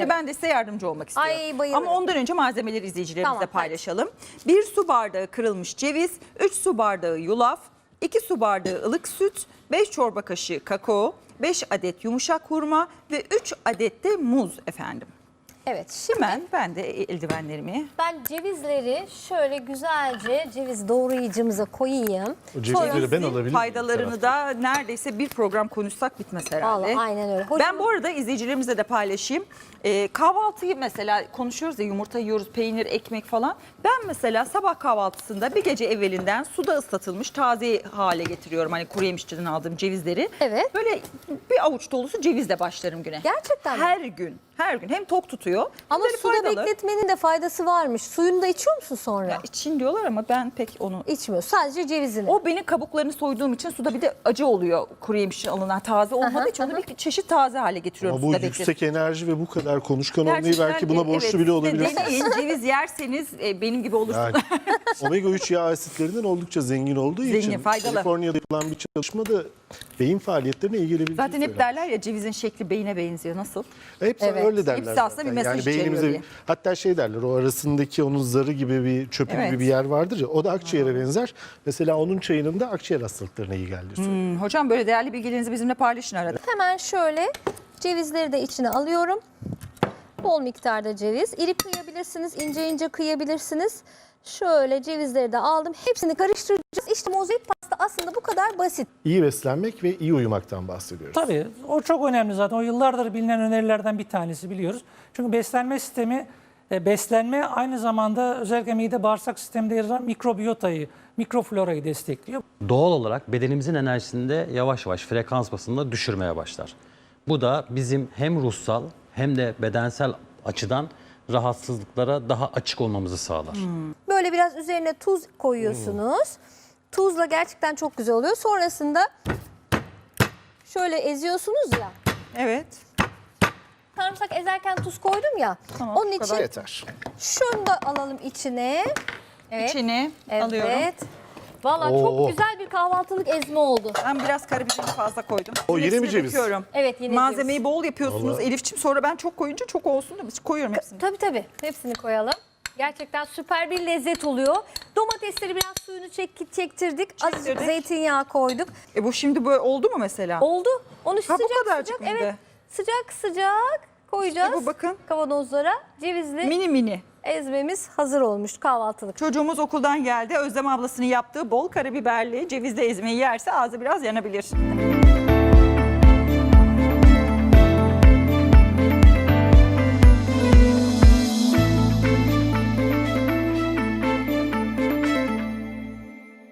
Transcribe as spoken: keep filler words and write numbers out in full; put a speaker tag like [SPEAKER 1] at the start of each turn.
[SPEAKER 1] Şimdi ben de size yardımcı olmak istiyorum.
[SPEAKER 2] Ay, bayılırım.
[SPEAKER 1] Ama ondan önce malzemeleri izleyicilerimizle
[SPEAKER 2] Tamam,
[SPEAKER 1] paylaşalım. bir su bardağı kırılmış ceviz, üç su bardağı yulaf, iki su bardağı ılık süt, beş çorba kaşığı kakao, beş adet yumuşak hurma ve üç adet de muz efendim.
[SPEAKER 2] Evet, şimdi
[SPEAKER 1] Hemen ben de eldivenlerimi...
[SPEAKER 2] ben cevizleri şöyle güzelce ceviz doğrayıcımıza koyayım.
[SPEAKER 3] O cevizleri ben alabilir miyim?
[SPEAKER 1] Faydalarını da neredeyse bir program konuşsak bitmez herhalde.
[SPEAKER 2] Vallahi aynen öyle. Hocam,
[SPEAKER 1] Ben bu arada izleyicilerimizle de paylaşayım. Ee, kahvaltıyı mesela konuşuyoruz ya, yumurta yiyoruz, peynir, ekmek falan. Ben mesela sabah kahvaltısında bir gece evvelinden suda ıslatılmış taze hale getiriyorum. Hani kuru yemişçiden aldığım cevizleri.
[SPEAKER 2] Evet.
[SPEAKER 1] Böyle bir avuç dolusu cevizle başlarım güne.
[SPEAKER 2] Gerçekten mi?
[SPEAKER 1] Her gün. Her gün. Hem tok tutuyor.
[SPEAKER 2] Ama
[SPEAKER 1] hem de
[SPEAKER 2] suda
[SPEAKER 1] faydalı.
[SPEAKER 2] bekletmenin de faydası varmış. Suyunu da içiyor musun sonra?
[SPEAKER 1] Ya için diyorlar ama ben pek onu...
[SPEAKER 2] İçmiyor. Sadece cevizini.
[SPEAKER 1] O benim kabuklarını soyduğum için suda bir de acı oluyor kuru yemişçin alınan taze olmadığı için onu bir çeşit taze hale getiriyorum.
[SPEAKER 3] Ama bu
[SPEAKER 1] suda
[SPEAKER 3] yüksek
[SPEAKER 1] bekletip.
[SPEAKER 3] enerji ve bu kadar konuşkan olmayı
[SPEAKER 1] Gerçekten
[SPEAKER 3] belki buna borçlu
[SPEAKER 1] evet,
[SPEAKER 3] bile olabilirsiniz.
[SPEAKER 1] Deneyin, ceviz yerseniz e, benim gibi olursunuz.
[SPEAKER 3] Yani, omega üç yağ asitlerinden oldukça zengin olduğu
[SPEAKER 1] Zengin,
[SPEAKER 3] için
[SPEAKER 1] faydalı.
[SPEAKER 3] Kaliforniya'da yapılan bir çalışmada beyin faaliyetlerine iyi gelebildiği
[SPEAKER 1] Zaten hep
[SPEAKER 3] söyleniyor.
[SPEAKER 1] derler ya cevizin şekli beyine benziyor. Nasıl?
[SPEAKER 3] Hep
[SPEAKER 2] Evet.
[SPEAKER 3] öyle derler.
[SPEAKER 1] Hepsi aslında bir
[SPEAKER 3] zaten.
[SPEAKER 1] mesaj
[SPEAKER 3] yani
[SPEAKER 1] içeriyor
[SPEAKER 3] beynimize,
[SPEAKER 1] diye.
[SPEAKER 3] hatta şey derler, o arasındaki onun zarı gibi bir çöpü
[SPEAKER 1] Evet.
[SPEAKER 3] gibi bir yer vardır ya, o da akciğere benzer. Mesela onun çayının da akciğer hastalıklarına iyi geldiği söyleniyor.
[SPEAKER 1] Hmm, hocam böyle değerli bilgilerinizi bizimle paylaşın arada.
[SPEAKER 2] Hemen şöyle cevizleri de içine alıyorum. Bol miktarda ceviz. İri kıyabilirsiniz, ince ince kıyabilirsiniz. Şöyle cevizleri de aldım. Hepsini karıştıracağız. İşte mozaik pasta aslında bu kadar basit.
[SPEAKER 3] İyi beslenmek ve iyi uyumaktan bahsediyoruz.
[SPEAKER 4] Tabii o çok önemli zaten. O yıllardır bilinen önerilerden bir tanesi biliyoruz. Çünkü beslenme sistemi, e, beslenme aynı zamanda özellikle mide bağırsak sisteminde yer alan mikrobiyotayı, mikroflorayı destekliyor.
[SPEAKER 5] Doğal olarak bedenimizin enerjisini de yavaş yavaş frekans basında düşürmeye başlar. Bu da bizim hem ruhsal hem de bedensel açıdan rahatsızlıklara daha açık olmamızı sağlar.
[SPEAKER 2] Böyle biraz üzerine tuz koyuyorsunuz. Tuzla gerçekten çok güzel oluyor. Sonrasında şöyle eziyorsunuz ya.
[SPEAKER 1] Evet.
[SPEAKER 2] Sarımsak ezerken tuz koydum ya.
[SPEAKER 1] Tamam,
[SPEAKER 2] Onun
[SPEAKER 1] bu
[SPEAKER 2] için
[SPEAKER 1] kadar.
[SPEAKER 3] Yeter.
[SPEAKER 2] şunu da alalım içine. Evet.
[SPEAKER 1] İçini
[SPEAKER 2] Evet.
[SPEAKER 1] alıyorum.
[SPEAKER 2] Valla
[SPEAKER 3] Oo.
[SPEAKER 2] çok güzel bir kahvaltılık ezme oldu.
[SPEAKER 1] Ben biraz karabiberini fazla koydum.
[SPEAKER 3] O yine mi
[SPEAKER 1] Hepsini
[SPEAKER 3] ceviz?
[SPEAKER 1] döküyorum.
[SPEAKER 2] Evet, yine
[SPEAKER 1] Malzemeyi
[SPEAKER 2] ceviz.
[SPEAKER 1] bol yapıyorsunuz
[SPEAKER 3] Vallahi.
[SPEAKER 1] Elifçim. Sonra ben çok koyunca çok olsun da biz koyuyorum hepsini.
[SPEAKER 2] Tabii tabii. Hepsini koyalım. Gerçekten süper bir lezzet oluyor. Domatesleri biraz suyunu çek, çektirdik. Azıcık
[SPEAKER 1] Çektirdik.
[SPEAKER 2] zeytinyağı koyduk.
[SPEAKER 1] E bu şimdi böyle oldu mu mesela?
[SPEAKER 2] Oldu. Onu
[SPEAKER 1] Ha, bu
[SPEAKER 2] sıcak
[SPEAKER 1] kadarcık
[SPEAKER 2] sıcak.
[SPEAKER 1] mıydı?
[SPEAKER 2] Evet. Sıcak sıcak koyacağız.
[SPEAKER 1] İşte bu bakın.
[SPEAKER 2] Kavanozlara. Cevizli
[SPEAKER 1] Mini mini.
[SPEAKER 2] ezmemiz hazır olmuş kahvaltılık.
[SPEAKER 1] Çocuğumuz okuldan geldi. Özlem ablasının yaptığı bol karabiberli cevizli ezmeyi yerse ağzı biraz yanabilir.